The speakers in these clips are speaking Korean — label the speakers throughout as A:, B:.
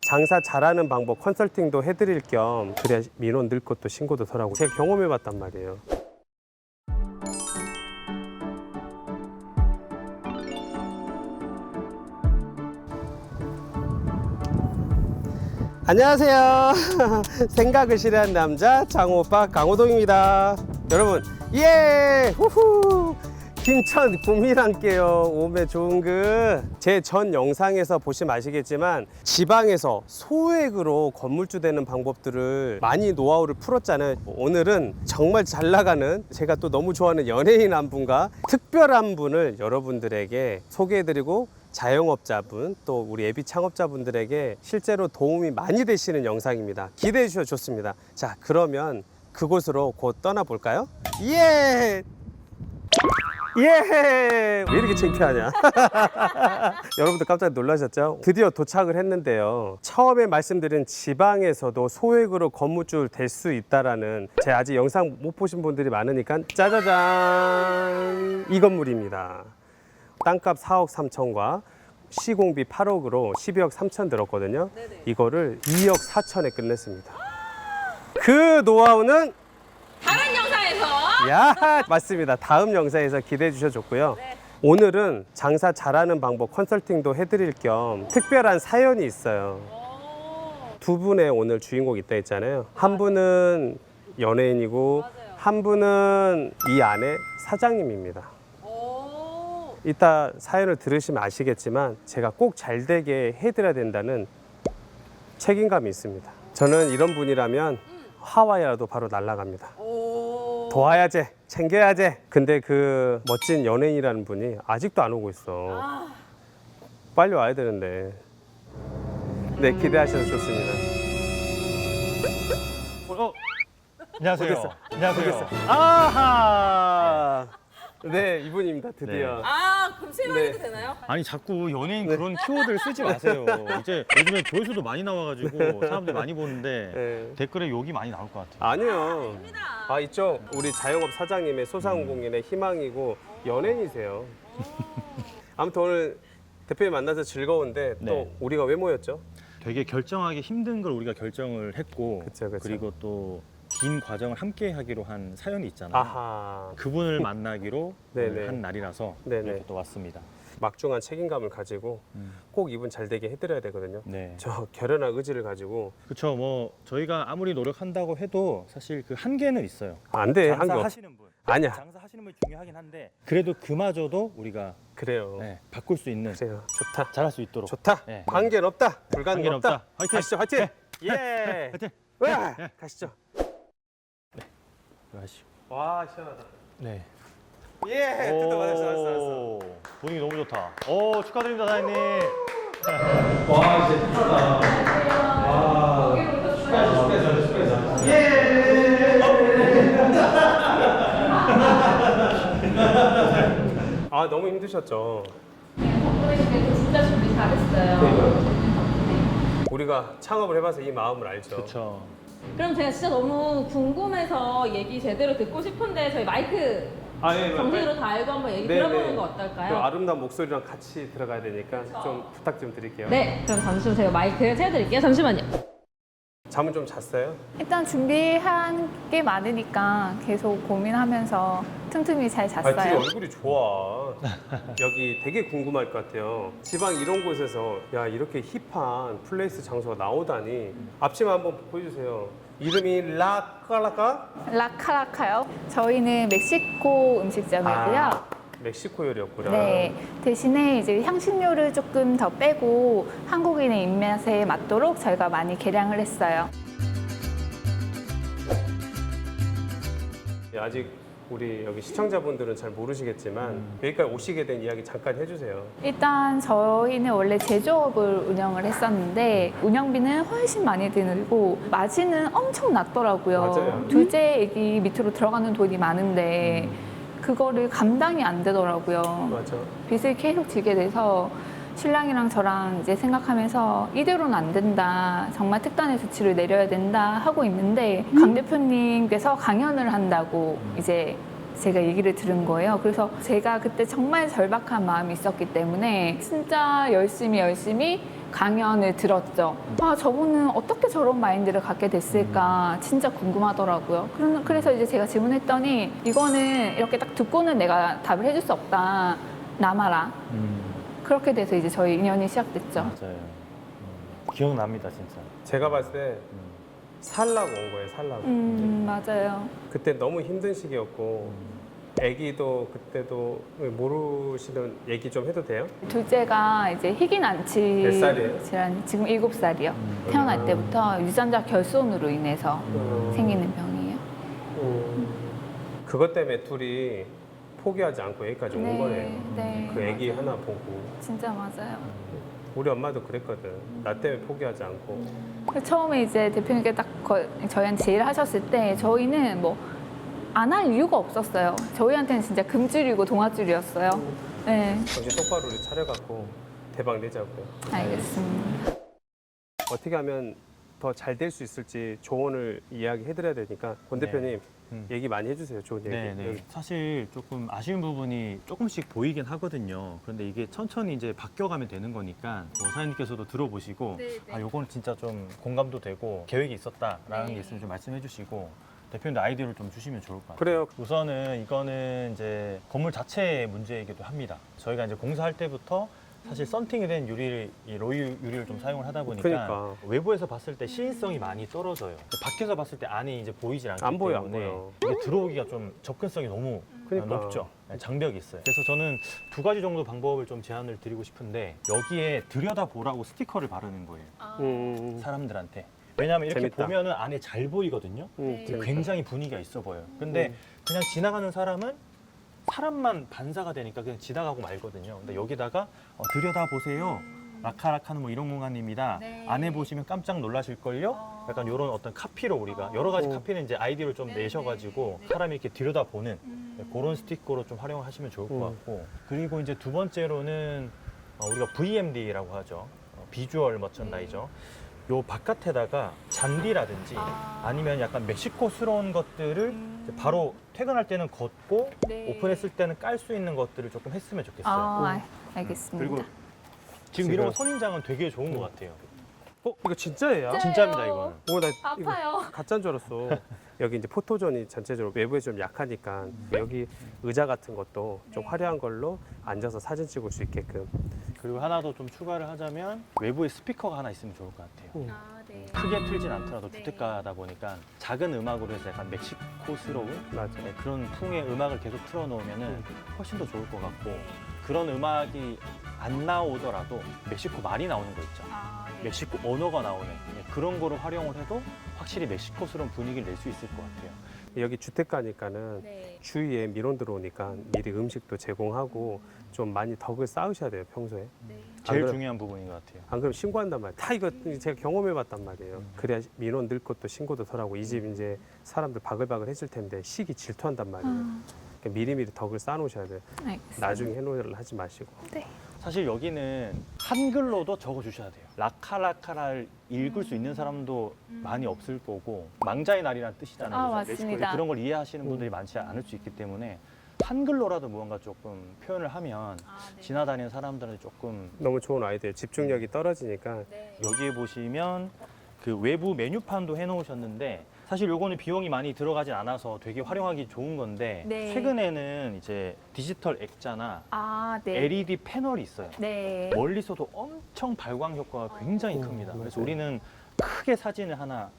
A: 장사 잘하는 방법 컨설팅도 해드릴 겸 그래야 민원 늘 것도 신고도 덜하고 제가 경험해봤단 말이에요. 안녕하세요. 생각을 싫어하는 남자 장호오빠 강호동입니다. 여러분 예 후후 김천 구미랑께요. 오메 좋은 제 전 영상에서 보시면 아시겠지만 지방에서 소액으로 건물주 되는 방법들을 많이 노하우를 풀었잖아요. 오늘은 정말 잘 나가는 제가 또 너무 좋아하는 연예인 한 분과 특별한 분을 여러분들에게 소개해드리고 자영업자분 또 우리 예비 창업자분들에게 실제로 도움이 많이 되시는 영상입니다. 기대해 주셔도 좋습니다. 자, 그러면 그곳으로 곧 떠나볼까요? 예! 예! 왜 이렇게 창피하냐? 여러분들 깜짝 놀라셨죠? 드디어 도착을 했는데요. 처음에 말씀드린 지방에서도 소액으로 건물주 될 수 있다라는 제 아직 영상 못 보신 분들이 많으니까 짜자잔! 이 건물입니다. 땅값 4억 3천과 시공비 8억으로 12억 3천 들었거든요.
B: 네네.
A: 이거를 2억 4천에 끝냈습니다. 그 노하우는
B: 다른 영상에서
A: 야 맞습니다. 다음 영상에서 기대해 주셔도 좋고요.
B: 네.
A: 오늘은 장사 잘하는 방법 컨설팅도 해드릴 겸 특별한 사연이 있어요. 두 분의 오늘 주인공 있다 했잖아요. 한 분은 연예인이고
B: 맞아요.
A: 한 분은 이 안에 사장님입니다.
B: 오.
A: 이따 사연을 들으시면 아시겠지만 제가 꼭 잘 되게 해드려야 된다는 책임감이 있습니다. 저는 이런 분이라면 하와이라도 바로 날아갑니다.
B: 오.
A: 도와야지, 챙겨야지. 근데 그 멋진 연예인이라는 분이 아직도 안 오고 있어.
B: 아.
A: 빨리 와야 되는데. 네, 기대하셔도 좋습니다.
C: 안녕하세요.
A: 모르겠어.
C: 안녕하세요.
A: 아하! 네, 이분입니다. 드디어.
B: 아, 그럼 실망해도
A: 네.
B: 되나요?
C: 아니 자꾸 연예인 그런 키워드를 쓰지 마세요. 이제 요즘에 조회수도 많이 나와가지고 사람들 많이 보는데
A: 네.
C: 댓글에 욕이 많이 나올 것 같아요.
A: 아니요.
B: 아닙니다.
A: 아, 이쪽 우리 자영업 사장님의 소상공인의 희망이고 연예인이세요. 아무튼 오늘 대표님 만나서 즐거운데 또
C: 네.
A: 우리가 왜 모였죠?
C: 되게 결정하기 힘든 걸 우리가 결정을 했고
A: 그쵸, 그쵸.
C: 리고 또 긴 과정을 함께 하기로 한 사연이 있잖아요.
A: 아하.
C: 그분을 만나기로
A: 네네.
C: 오늘 한 날이라서
A: 네네.
C: 이렇게 또 왔습니다.
A: 막중한 책임감을 가지고 꼭 이분 잘 되게 해드려야 되거든요.
C: 네.
A: 저 결연한 의지를 가지고
C: 그렇죠. 뭐 저희가 아무리 노력한다고 해도 사실 그 한계는 있어요.
A: 안 돼. 한게
C: 장사하시는 분.
A: 아니야.
C: 장사하시는 분이 중요하긴 한데 그래도 그마저도 우리가
A: 그래요.
C: 네, 바꿀 수 있는
A: 그래요. 좋다.
C: 잘할 수 있도록.
A: 좋다.
C: 네.
A: 관계는 없다. 불가능은
C: 관계는
A: 없다.
C: 없다. 화이팅.
A: 가시죠. 화이팅.
C: 네.
A: 예.
C: 화이팅.
A: 와, 가시죠.
C: 하시죠.
A: 와, 시원하다.
C: 네.
A: 예. 뜯어 받았어.
C: 오, 분위기 너무 좋다. 오, 축하드립니다, 사장님.
A: 와, 진짜 힙하다. 와. 축하해서. 예. 아, 너무 힘드셨죠.
B: 덕분에 진짜 준비 잘했어요.
A: 우리가 창업을 해봐서 이 마음을 알죠.
C: 그렇죠.
B: 그럼 제가 진짜 너무 궁금해서 얘기 제대로 듣고 싶은데 저희 마이크
A: 아, 예,
B: 정식으로 다 알고 한번 얘기
A: 네,
B: 들어보는
A: 네.
B: 거
A: 그
B: 어떨까요?
A: 아름다운 목소리랑 같이 들어가야 되니까 좀 부탁 좀 드릴게요.
B: 네, 그럼 잠시만 제가 마이크 채워드릴게요. 잠시만요.
A: 잠은 좀 잤어요?
D: 일단 준비한 게 많으니까 계속 고민하면서 틈틈이 잘
A: 아니, 둘이
D: 잤어요.
A: 얼굴이 좋아. 여기 되게 궁금할 것 같아요. 지방 이런 곳에서 야 이렇게 힙한 플레이스 장소가 나오다니. 앞치마 한번 보여주세요. 이름이 라카라카?
D: 라카라카요. 저희는 멕시코 음식점이고요.
A: 아, 멕시코 요리였구나.
D: 네, 대신에 이제 향신료를 조금 더 빼고 한국인의 입맛에 맞도록 저희가 많이 개량을 했어요.
A: 예, 아직 우리 여기 시청자분들은 잘 모르시겠지만 여기까지 오시게 된 이야기 잠깐 해주세요.
D: 일단 저희는 원래 제조업을 운영을 했었는데 운영비는 훨씬 많이 들고 마진은 엄청 낮더라고요.
A: 맞아요.
D: 둘째 애기 밑으로 들어가는 돈이 많은데 그거를 감당이 안 되더라고요.
A: 맞아.
D: 빚을 계속 지게 돼서 신랑이랑 저랑 이제 생각하면서 이대로는 안 된다. 정말 특단의 조치를 내려야 된다 하고 있는데 강 대표님께서 강연을 한다고 이제 제가 얘기를 들은 거예요. 그래서 제가 그때 정말 절박한 마음이 있었기 때문에 진짜 열심히 강연을 들었죠. 아, 저분은 어떻게 저런 마인드를 갖게 됐을까 진짜 궁금하더라고요. 그래서 이제 제가 질문했더니 이거는 이렇게 딱 듣고는 내가 답을 해줄 수 없다. 남아라. 그렇게 돼서 이제 저희 인연이 시작됐죠.
C: 맞아요. 기억납니다, 진짜.
A: 제가 봤을 때 살라고 온 거예요, 살라고.
D: 맞아요.
A: 그때 너무 힘든 시기였고 아기도 그때도 모르시는 얘기 좀 해도 돼요?
D: 둘째가 이제 희귀난치
A: 몇 살이에요?
D: 질환, 지금 7살이요. 태어날 때부터 유전자 결손으로 인해서 생기는 병이에요.
A: 그것 때문에 둘이 포기하지 않고 여기까지 온 거네요.
D: 네,
A: 그 아기
D: 맞아요.
A: 하나 보고.
D: 진짜 맞아요.
A: 우리 엄마도 그랬거든. 나 때문에 포기하지 않고.
D: 처음에 이제 대표님께 딱 저희한테 제의를 하셨을 때 저희는 뭐 안 할 이유가 없었어요. 저희한테는 진짜 금줄이고 동아줄이었어요. 네,
A: 정신 똑바로 우리 차려갖고 대박 내자고요.
D: 알겠습니다.
A: 어떻게 하면 더 잘 될 수 있을지 조언을 이야기해드려야 되니까 권
C: 네.
A: 대표님
C: 음.
A: 얘기 많이 해주세요. 좋은 얘기.
C: 네.
A: 여기.
C: 사실 조금 아쉬운 부분이 조금씩 보이긴 하거든요. 그런데 이게 천천히 이제 바뀌어가면 되는 거니까 사장님께서도 들어보시고 아, 요거는 진짜 좀 공감도 되고 계획이 있었다라는 게 있으면 좀 말씀해 주시고 대표님도 아이디어를 좀 주시면 좋을 것 같아요.
A: 그래요.
C: 우선은 이거는 이제 건물 자체의 문제이기도 합니다. 저희가 이제 공사할 때부터 사실 썬팅이 된 유리를, 이 로이 유리를 좀 사용을 하다 보니까
A: 그러니까.
C: 외부에서 봤을 때 시인성이 많이 떨어져요. 밖에서 봤을 때 안이 이제 보이질 않기
A: 안 보여, 안
C: 때문에
A: 보여.
C: 이게 들어오기가 좀 접근성이 너무
A: 그러니까.
C: 높죠. 네, 장벽이 있어요. 그래서 저는 두 가지 정도 방법을 좀 제안을 드리고 싶은데 여기에 들여다보라고 스티커를 바르는 거예요. 사람들한테. 왜냐하면 이렇게
A: 재밌다.
C: 보면은 안에 잘 보이거든요.
A: 재밌다.
C: 굉장히 분위기가 있어 보여요. 근데 그냥 지나가는 사람은 사람만 반사가 되니까 그냥 지나가고 말거든요. 근데 여기다가 들여다보세요. 라카라카는 뭐 이런 공간입니다. 안에 보시면 깜짝 놀라실걸요? 약간 이런 어떤 카피로 우리가 여러 가지 카피는 이제 아이디어를 좀 내셔가지고 사람이 이렇게 들여다보는 그런 스티커로 좀 활용하시면 좋을 것 같고 그리고 이제 두 번째로는 우리가 VMD라고 하죠. 비주얼 머천다이저. 요 바깥에다가 잔디라든지 아니면 약간 멕시코스러운 것들을 이제 바로 퇴근할 때는 걷고 오픈했을 때는 깔 수 있는 것들을 조금 했으면 좋겠어요.
D: 알겠습니다.
C: 그리고 지금 이런 거 선인장은 되게 좋은 것 같아요.
A: 이거 진짜예요?
C: 진짜입니다, 이거는.
A: 나
D: 아파요.
A: 이거 가짜인 줄 알았어. 여기 이제 포토존이 전체적으로 외부에 좀 약하니까 여기 의자 같은 것도 좀 화려한 걸로 앉아서 사진 찍을 수 있게끔.
C: 그리고 하나 더 좀 추가를 하자면 외부에 스피커가 하나 있으면 좋을 것 같아요. 크게 틀진 않더라도 주택가다 보니까 작은 음악으로 해서 약간 멕시코스러운
A: 맞아.
C: 네, 그런 풍의 음악을 계속 틀어놓으면 훨씬 더 좋을 것 같고 그런 음악이 안 나오더라도 멕시코 말이 나오는 거 있죠. 멕시코 언어가 나오는 그런 거를 활용을 해도 확실히 멕시코스러운 분위기를 낼 수 있을 것 같아요.
A: 여기 주택가니까는 주위에 민원 들어오니까 미리 음식도 제공하고 좀 많이 덕을 쌓으셔야 돼요, 평소에.
C: 제일
A: 그럼-
C: 중요한 부분인 것 같아요.
A: 안 그러면 신고한단 말이에요. 다 이거 제가 경험해봤단 말이에요. 그래야 민원 늘 것도 신고도 덜하고 이 집 이제 사람들 바글바글 해줄 텐데 시기 질투한단 말이에요. 그러니까 미리미리 덕을 쌓아놓으셔야 돼요.
D: 알겠습니다.
A: 나중에 해놓으려 하지 마시고.
C: 사실 여기는 한글로도 적어주셔야 돼요. 라카라카를 읽을 수 있는 사람도 많이 없을 거고 망자의 날이라는 뜻이잖아요.
D: 아,
C: 그래서
D: 맞습니다.
C: 멕시코에 그런 걸 이해하시는 분들이 많지 않을 수 있기 때문에 한글로라도 무언가 조금 표현을 하면 지나다니는 사람들한테 조금
A: 너무 좋은 아이디어예요. 집중력이 떨어지니까.
C: 여기에 보시면 그 외부 메뉴판도 해놓으셨는데 사실 요거는 비용이 많이 들어가진 않아서 되게 활용하기 좋은 건데
D: 네.
C: 최근에는 이제 디지털 액자나 LED 패널이 있어요.
D: 네.
C: 멀리서도 엄청 발광 효과가 굉장히 큽니다. 그래서
A: 맞아요.
C: 우리는 크게 사진을 하나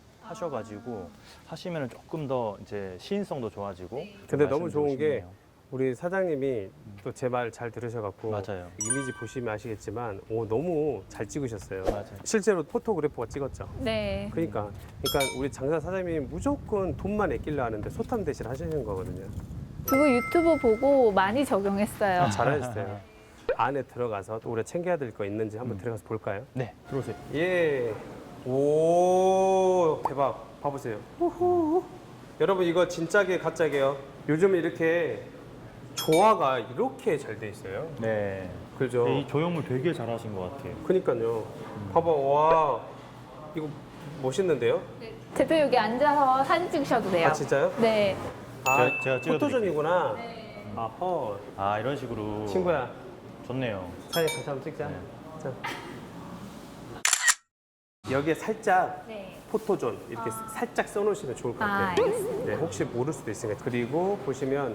C: 하셔가지고 하시면 조금 더 이제 시인성도 좋아지고.
A: 근데 너무 좋은 게
C: 말씀드리고
A: 우리 사장님이 또 제 말 잘 들으셔갖고
C: 맞아요.
A: 이미지 보시면 아시겠지만 너무 잘 찍으셨어요.
C: 맞아요.
A: 실제로 포토그래퍼가 찍었죠.
D: 네.
A: 그러니까 우리 장사 사장님이 무조건 돈만 아끼려 하는데 소탐 대신 하시는 거거든요.
D: 그거 유튜브 보고 많이 적용했어요.
A: 잘하셨어요. 안에 들어가서 또 우리가 챙겨야 될 거 있는지 한번 들어가서 볼까요?
C: 네, 들어오세요.
A: 예. 오, 대박. 봐보세요. 우후. 여러분 이거 진짜게 가짜게요. 요즘 이렇게 조화가 이렇게 잘 돼 있어요.
C: 네.
A: 그죠?
C: 이 조형물 되게 잘하신 것 같아요.
A: 그니까요. 봐봐, 와, 이거 멋있는데요?
D: 대표 여기 앉아서 사진 찍으셔도 돼요.
A: 아 진짜요?
D: 네.
A: 아,
C: 제가 찍어드릴게요.
A: 포토존이구나. 아허,
C: 아 이런 식으로
A: 친구야,
C: 좋네요.
A: 사진 같이 한번 찍자.
C: 네.
A: 자. 여기에 살짝
D: 네.
A: 포토존 이렇게 살짝 써놓으시면 좋을 것 같아요.
D: 알겠습니다.
A: 네, 혹시 모를 수도 있으니까. 그리고 보시면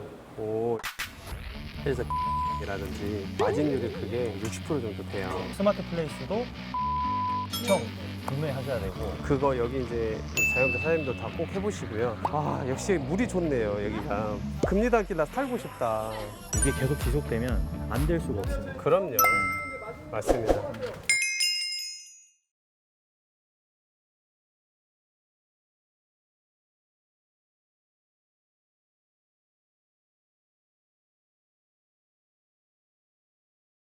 A: 그래서 이라든지 마진율이 그게 60% 정도 돼요.
C: 스마트 플레이스도 형 구매하셔야 되고.
A: 그거 여기 이제 자영업자 사장님도 다 꼭 해보시고요. 아 역시 물이 좋네요 여기가. 금리단길 살고 싶다.
C: 이게 계속 지속되면 안 될 수가 없습니다.
A: 그럼요. 맞습니다.